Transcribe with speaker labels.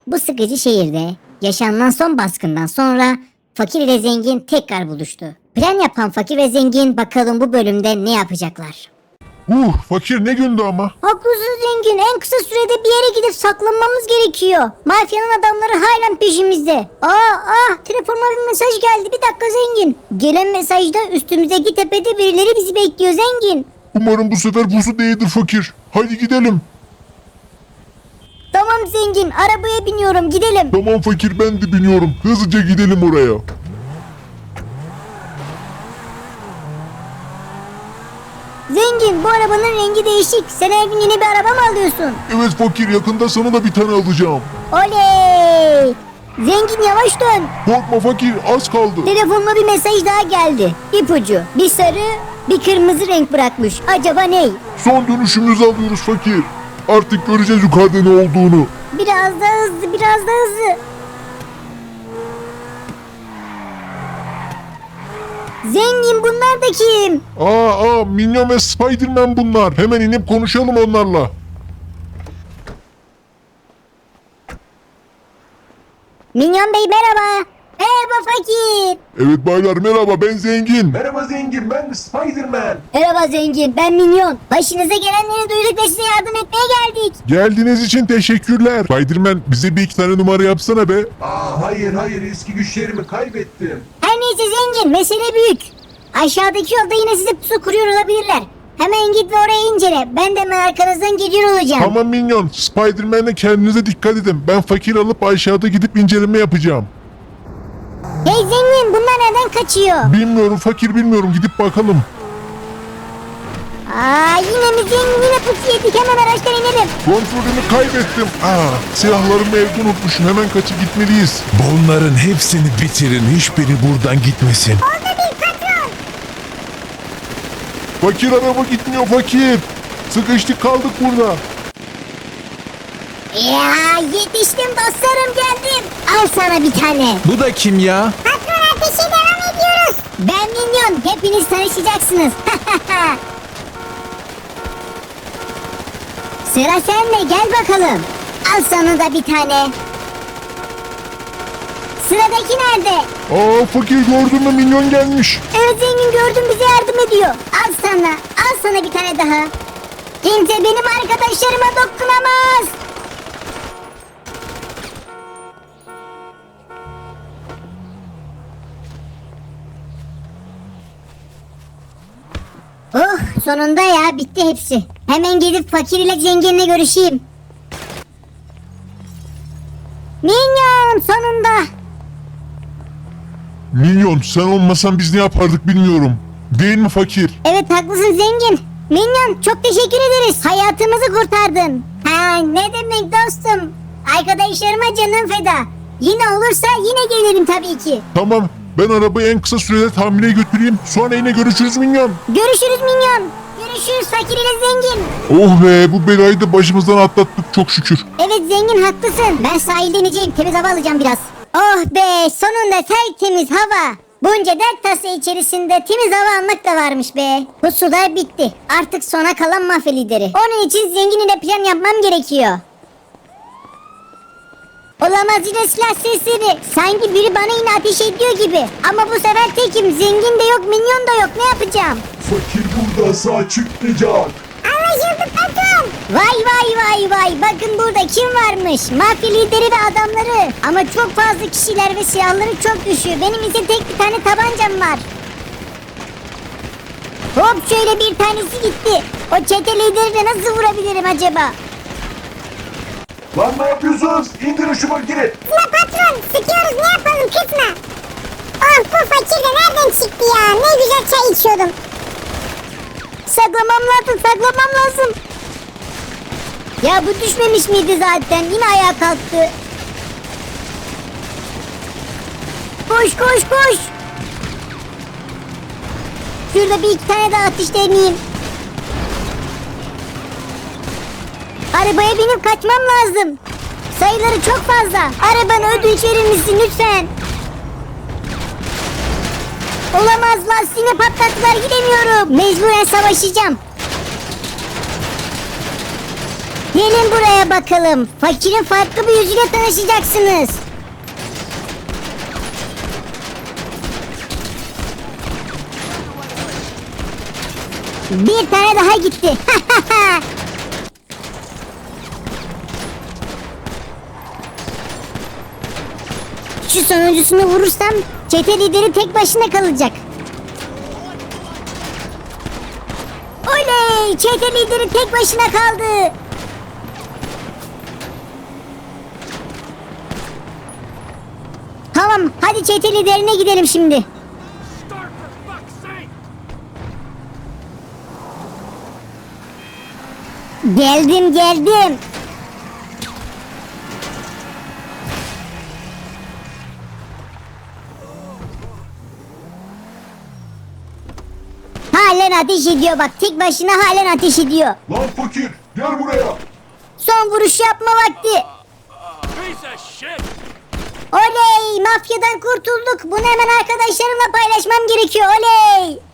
Speaker 1: Bu sıkıcı şehirde yaşanılan son baskından sonra fakir ile zengin tekrar buluştu. Plan yapan fakir ve zengin bakalım bu bölümde ne yapacaklar.
Speaker 2: Fakir ne gündü ama.
Speaker 1: Haklısın zengin, en kısa sürede bir yere gidip saklanmamız gerekiyor. Mafyanın adamları halen peşimizde. Telefonuma bir mesaj geldi, bir dakika zengin. Gelen mesajda üstümüzdeki tepede birileri bizi bekliyor zengin.
Speaker 2: Umarım bu sefer pusu değildir fakir. Hadi gidelim.
Speaker 1: Tamam zengin, arabaya biniyorum, gidelim.
Speaker 2: Tamam fakir, ben de biniyorum. Hızlıca gidelim oraya.
Speaker 1: Zengin, bu arabanın rengi değişik. Sen her gün yeni bir araba mı alıyorsun?
Speaker 2: Evet fakir, yakında sana da bir tane alacağım.
Speaker 1: Oley! Zengin yavaş dön.
Speaker 2: Korkma fakir, az kaldı.
Speaker 1: Telefonuma bir mesaj daha geldi. İpucu. Bir sarı, bir kırmızı renk bırakmış. Acaba ne?
Speaker 2: Son dönüşümüzü alıyoruz fakir. Artık göreceğiz yukarıda ne olduğunu.
Speaker 1: Biraz daha hızlı, biraz daha hızlı. Zengin, bunlar da kim?
Speaker 2: Minyon ve Spiderman bunlar. Hemen inip konuşalım onlarla.
Speaker 1: Minyon Bey merhaba. Merhaba fakir.
Speaker 2: Evet baylar, merhaba, ben Zengin.
Speaker 3: Merhaba zengin, ben Spiderman.
Speaker 1: Merhaba zengin, ben Minyon. Başınıza gelenleri duyduk ve size yardım etmeye geldik.
Speaker 2: Geldiğiniz için teşekkürler. Spiderman, bize bir iki tane numara yapsana be.
Speaker 3: Hayır, eski güçlerimi kaybettim.
Speaker 1: Her neyse zengin, mesele büyük. Aşağıdaki yolda yine size pusu kuruyor olabilirler. Hemen git ve oraya incele. Ben de hemen arkanızdan geliyor olacağım.
Speaker 2: Tamam Minyon, Spiderman'le kendinize dikkat edin. Ben fakir alıp aşağıda gidip inceleme yapacağım.
Speaker 1: Hey zengin, bunlar neden kaçıyor?
Speaker 2: Bilmiyorum fakir, bilmiyorum, gidip bakalım.
Speaker 1: Yine mi zengin, yine pusu yedik, hemen araçtan inelim.
Speaker 2: Kontrolümü kaybettim. Silahlarımı evde unutmuşum, hemen kaçıp gitmeliyiz.
Speaker 4: Bunların hepsini bitirin, hiçbiri buradan gitmesin.
Speaker 1: Orada bir patron.
Speaker 2: Fakir, araba gitmiyor fakir. Sıkıştık kaldık burada.
Speaker 1: Ya yetiştim dostlarım, geldim. Al sana bir tane.
Speaker 4: Bu da kim ya?
Speaker 1: Patron, ateşe devam ediyoruz. Ben Minyon, hepiniz tanışacaksınız. Sıra sende, gel bakalım. Al sana da bir tane. Sıradaki nerede?
Speaker 2: Fakir, gördün mü, Minyon gelmiş.
Speaker 1: Evet zengin, gördüm, bize yardım ediyor. Al sana bir tane daha. Kimse benim arkadaşlarıma dokunamaz. Sonunda ya, bitti hepsi. Hemen gidip fakir ile zenginle görüşeyim. Minyon, sonunda.
Speaker 2: Minyon, sen olmasan biz ne yapardık bilmiyorum. Değil mi fakir?
Speaker 1: Evet haklısın zengin. Minyon, çok teşekkür ederiz. Hayatımızı kurtardın. Ne demek dostum. Arkadaşlarıma canım feda. Yine olursa yine gelirim tabii ki.
Speaker 2: Tamam, ben arabayı en kısa sürede tamireye götüreyim. Sonra yine görüşürüz Minyon.
Speaker 1: Görüşürüz Minyon. Görüşürüz fakir ile zengin.
Speaker 2: Oh be, bu belayı da başımızdan atlattık çok şükür.
Speaker 1: Evet zengin, haklısın. Ben sahilde ineceğim, temiz hava alacağım biraz. Oh be, sonunda tertemiz hava. Bunca dert tası içerisinde temiz hava almak da varmış be. Bu sular bitti. Artık sona kalan mafya lideri. Onun için zengin ile plan yapmam gerekiyor. Olamaz, yine silah sesleri. Sanki biri bana yine ateş ediyor gibi. Ama bu sefer tekim. Zengin de yok, minyon da yok. Ne yapacağım?
Speaker 3: Fakir burada sağ çıkmayacak.
Speaker 1: Anlaşıldı patron. Vay. Bakın burada kim varmış? Mafya lideri ve adamları. Ama çok fazla kişiler ve silahları çok düşüyor. Benim ise tek bir tane tabancam var. Hop, şöyle bir tanesi gitti. O çete liderini nasıl vurabilirim acaba?
Speaker 3: Lan ne yapıyorsunuz? İndirin şu makine.
Speaker 1: Ya patron, sıkıyoruz, ne yapalım, kızma. Oh, bu fakir de nereden çıktı ya? Ne güzel çay içiyordum. Saklamam lazım. Ya bu düşmemiş miydi zaten? Yine ayağa kalktı. Koş. Şurada bir iki tane daha atış deneyeyim. Arabaya binip kaçmam lazım. Sayıları çok fazla. Arabanı ödünç verir misin lütfen? Olamaz, lastiğini patlattılar, gidemiyorum. Mecburen savaşacağım. Gelin buraya bakalım. Fakirin farklı bir yüzüyle tanışacaksınız. Bir tane daha gitti. Şu sonuncusunu vurursam çete lideri tek başına kalacak. Oley! Çete lideri tek başına kaldı. Tamam, hadi çete liderine gidelim şimdi. Geldim. Halen ateş ediyor bak, tek başına halen ateş ediyor.
Speaker 3: Lan fakir gel buraya.
Speaker 1: Son vuruş yapma vakti.
Speaker 5: Piece of shit!
Speaker 1: Oley! Mafyadan kurtulduk. Bunu hemen arkadaşlarımla paylaşmam gerekiyor. Oley!